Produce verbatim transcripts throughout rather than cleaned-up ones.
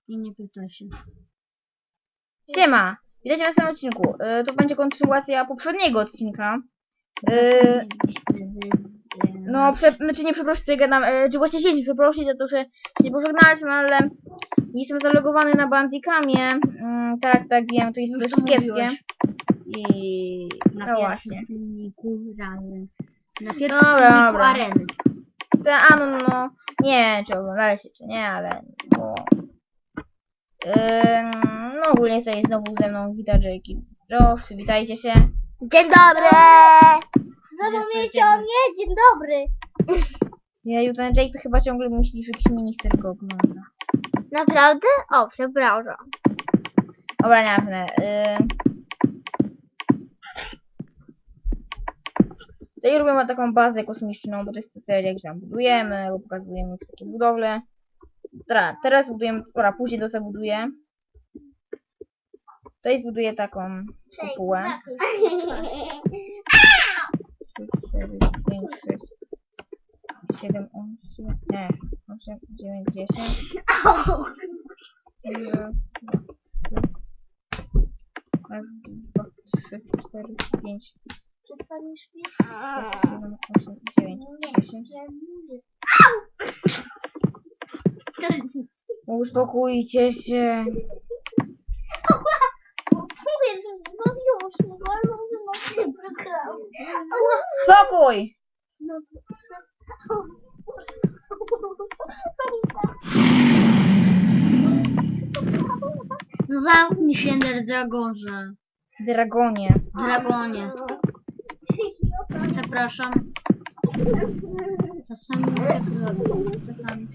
I nie pytaj się. Siema! Witajcie na następnym odcinku. Yy, to będzie kontynuacja poprzedniego odcinka. Yy, no, prze, znaczy nie przeprosić, że gadam, yy, czy właśnie się przeprosić za to, że się pożegnaliśmy, ale nie jestem zalogowany na Bandicamie. Yy, tak, tak, wiem, to jest Już dość to kiepskie. mówiłeś. I... Na no właśnie. filmiku razem. Na pierwszym Dobra, filmiku dobra. areny. Te, a no, no, no, nie, czy oglądaliście, czy nie, ale... Bo... Yy, no ogólnie sobie znowu ze mną wita Jake. Proszę, przywitajcie się. Dzień dobry! Zapomnieliście o mnie? Dzień dobry! Ja ten Jake to chyba ciągle myśli, że jakiś minister go ogląda. Naprawdę? O, przepraszam. Dobra, nieważne. Yy... Tutaj robimy taką bazę kosmiczną, bo to jest ta seria, gdzie tam budujemy, bo pokazujemy takie budowle. Teraz, teraz budujemy, dobra, później to zabuduję. Tutaj zbuduję taką kopułę. trzy, cztery, pięć, sześć, siedem, osiem, nie, osiem, dziewięć, dziesięć. Raz, dwa, trzy, cztery, pięć, Przestaniesz mi? sześć, siedem, osiem, dziewięć, dziesięć. Uspokójcie się. Mówię, no już, no ale no się przegrał. Spokój! No, No zamknij się, Ender Dragorze. Dragonie. Dragonie. Przepraszam. Czasami tak robię. Czasami.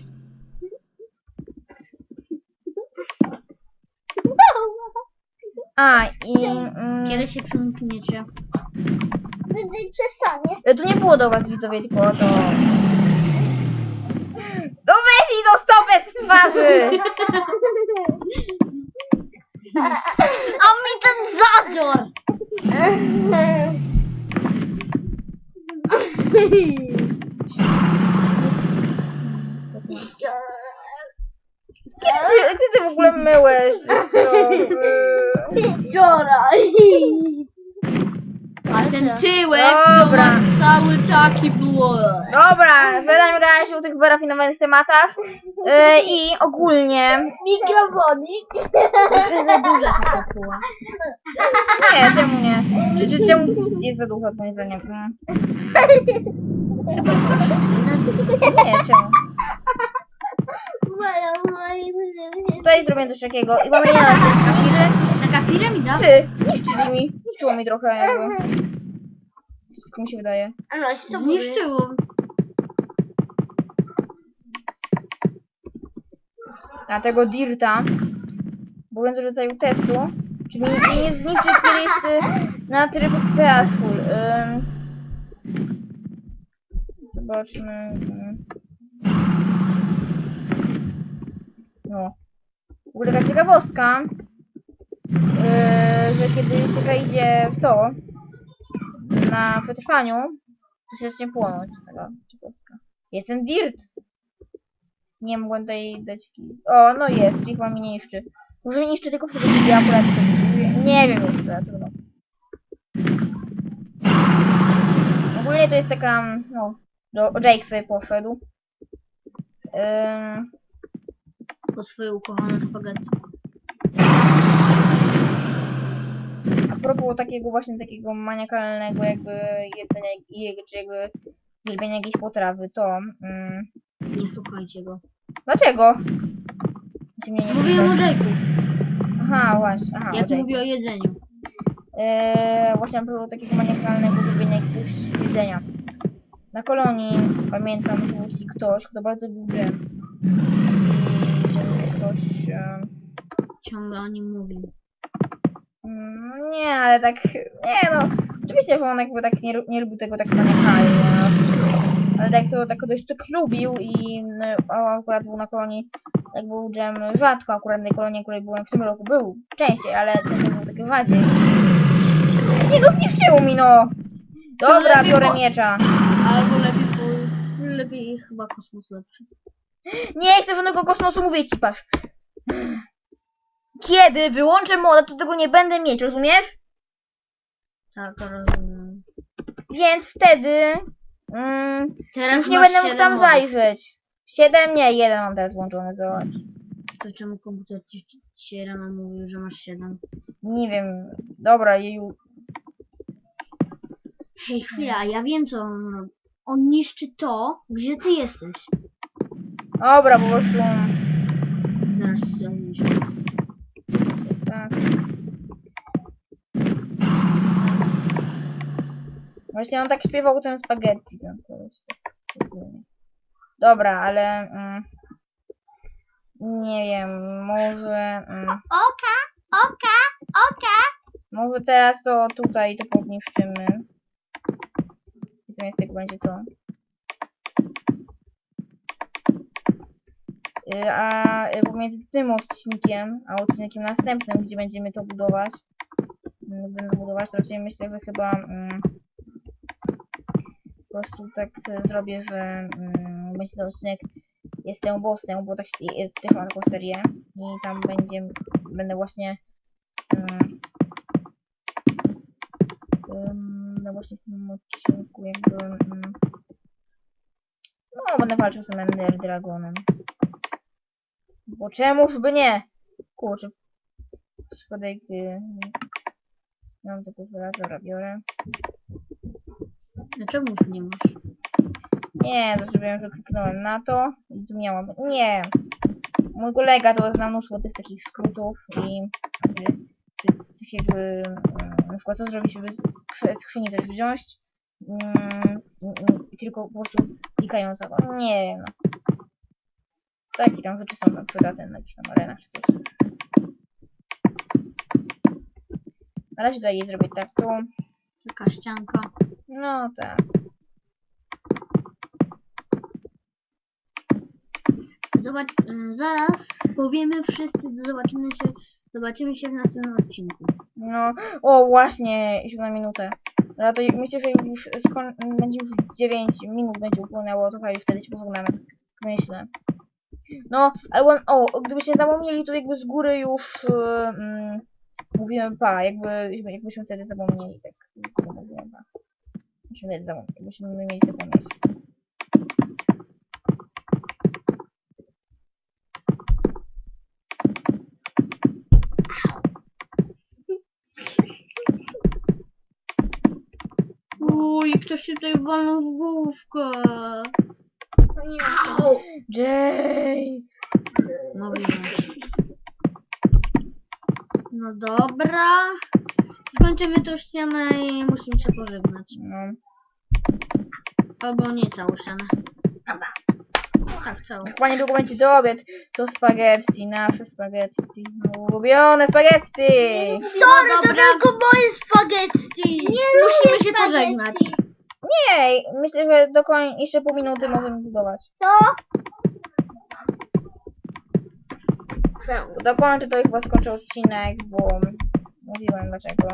A, i... Mm, Kiedy się przymkniecie? Dzień przestanie. to nie było do was, widzowie, tylko to... No weź mi do stopę z twarzy! A mi ten zadzior! Kiedy ty, gdzie ty w ogóle myłeś? Wczoraj. A ten tyłek Dobra. to ma cały taki było. Dobra, będziemy gadać się o tych wyrafinowanych tematach. Yy, I ogólnie... Mikrofonik. Trochę za duża ta kopuła. Nie, czemu nie? Czy, czy, czemu jest za dużo, moim zdaniem? Mm. Nie, czemu? Tutaj zrobię coś takiego i mamy nie na kafiry. Taka piramida? Ty, niszczyli mi. Niszczyło mi trochę jakby. Wszystko mi się wydaje. No, to Zniszczyło. Na tego dirta. Mówiąc o rodzaju testu. Czyli nie, nie zniszczy, kiedy jest y, na tryb peaceful. Ym. Zobaczmy. Ym. No. W ogóle taka ciekawostka. Yy, że kiedy się wejdzie w to na przetrwaniu, to się zacznie płonąć. Taka ciekawostka. Jest ten dirt. Nie mogłem tutaj dać. O, no jest, ich mam nie niszczy. Może niszczy tylko wtedy, kiedy ja akurat to buduję. Nie wiem jeszcze, trudno. Ogólnie to jest taka, no, do Jake sobie poszedł. Ym, Po swoje ukochane spaghetti. a propos takiego właśnie takiego maniakalnego jakby jedzenia i czy jakby uwielbienia jakiejś potrawy, to... Ym, Nie słuchajcie go. dlaczego? Znaczy mnie nie Mówiłem o Jake'u. Aha, właśnie, aha, Jak o Jake'u. mówię o jedzeniu. Eee, właśnie a propos takiego maniakalnego uwielbienia jakiegoś jedzenia. Na kolonii pamiętam, że był taki ktoś, kto bardzo lubił dżem. I że ktoś... E, Ciągle o nim mówię. mm, nie, ale tak... Nie no, oczywiście, że on jakby tak nie, nie lubił tego tak maniakalnie, no. Ale tak to tak dość tak lubił i no, a akurat był na kolonii, jak był dżem rzadko, akurat na tej kolonii, w której byłem w tym roku, był częściej, ale ten był taki rzadziej. Nie no, zniszczyło mi no! Dobra, lepiej biorę po- miecza. Albo lepiej, po... lepiej chyba kosmos lepszy. Nie chcę żadnego kosmosu, mówię ci, patrz. Kiedy wyłączę moda, to tego nie będę mieć, rozumiesz? Tak, rozumiem. Więc wtedy mm, Teraz już nie masz będę mógł siedem tam modów. zajrzeć. Siedem? Nie, jeden mam teraz włączony, zobacz. To czemu komputer ci ci dzisiaj rano mówił, że masz siedem? Nie wiem. Dobra, jeju. Hej, chwila, ja wiem co on robi. On niszczy to, gdzie ty jesteś. Dobra, po prostu. Zaraz ci to niszczy. Tak. Właśnie on tak śpiewał ten spaghetti. Ten koleś, tak ogólnie. Dobra, ale mm, nie wiem, może mm, Oka, oka, oka. może teraz to tutaj to podniszczymy. I zamiast tego będzie to. Y, A y, pomiędzy tym odcinkiem, a odcinkiem następnym, gdzie będziemy to budować, mm, będę budować, to raczej myślę, że chyba mm, po prostu tak y, zrobię, że mm, będzie ten odcinek Jestem bossem, bo tak, się- też mam taką serię i tam będzie, będę właśnie um, um, no właśnie w tym odcinku jakby um, no będę walczył z tym Ender Dragonem. Bo czemuż by nie? Kurczę. Szkodek. Yy, mam tylko żelazo, biorę. Dlaczego już nie masz? Nie, to zrobiłem, że kliknąłem na to i tu miałam. Nie! Mój kolega to zna mnóstwo tych takich skrótów i czy, czy tych jakby mm, na przykład co zrobić, żeby z skrzy- z skrzyni coś wziąć mm, mm, i tylko po prostu klikając na to. Nie wiem. No. Takie tam rzeczy są tam przydatne na jakichś tam arenach czy coś. Na razie tutaj zrobię tak tu. Taka ścianka. No tak. Zobacz, y, zaraz powiemy wszyscy, zobaczymy się, zobaczymy się w następnym odcinku. No, o właśnie, siódma minutę. No to myślę, że już skon będzie już dziewięć minut będzie upłynęło, to chyba już wtedy się pożegnamy, tak myślę. No, ale o, gdybyście zapomnieli, to jakby z góry już yy, mm, mówiłem pa, jakby, jakbyśmy wtedy zapomnieli, tak z góry mówiłem pa. Myśmy wtedy zapomnieli, jakbyśmy mieli zapomnieć. Uj, ktoś się tutaj walnął w główkę. Jake! No wiem. No dobra. Skończymy tą ścianę i musimy się pożegnać. No. Albo nie całą ścianę. Tak, całą. Chyba niedługo będzie do obiad. To spaghetti, nasze spaghetti. No, ulubione spaghetti! No To dobra, tylko moje spaghetti. Nie musimy lubię się spaghetti. pożegnać. Nie, myślę, że do koń jeszcze pół minuty możemy budować. To? To dokończę, to i chyba skończę odcinek, bo mówiłem dlaczego.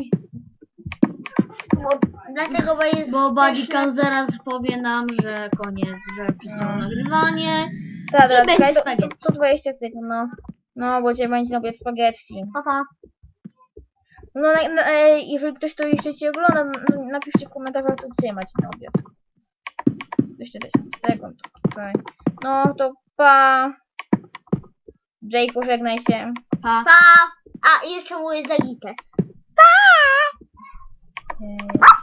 Bo, dlatego, bo jest... Bo Bodycam zaraz powie nam, że koniec, że przestało No. nagrywanie. Tak, dobra, będzie czekaj, to, to, spaghetti. to dwadzieścia sekund, no. No, bo cię będzie na obiad spaghetti. Pa, pa. No, na, na, e, jeżeli ktoś to jeszcze ci ogląda, n- napiszcie w komentarzach, co dzisiaj macie na obiad. Jeszcze dziesięć sekund tutaj. No, to pa. Jake, pożegnaj się. Pa. Pa! A, i jeszcze moje zagite. E,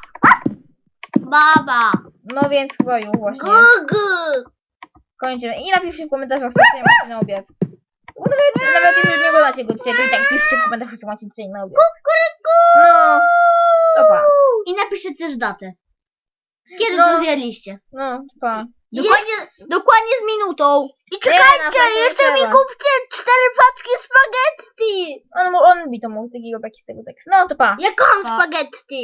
Baba! No więc chyba już właśnie. Gugu! Kończymy. I napiszcie w komentarzach, co dzisiaj macie na obiad. Bo nawet, nawet jeżeli nie oglądacie go dzisiaj, to i tak piszcie w komentarzach, co macie dzisiaj na obiad. No, to pa. I napiszcie też datę. Kiedy No. to zjedliście? No, pa. Dokładnie, dokładnie z minutą. I Nie, czekajcie, na pewno jeszcze nie mi trzeba. kupcie cztery paczki spaghetti! On, on mi to mógł takiego taki z tego tekstu. No to pa. Ja kocham Pa. spaghetti!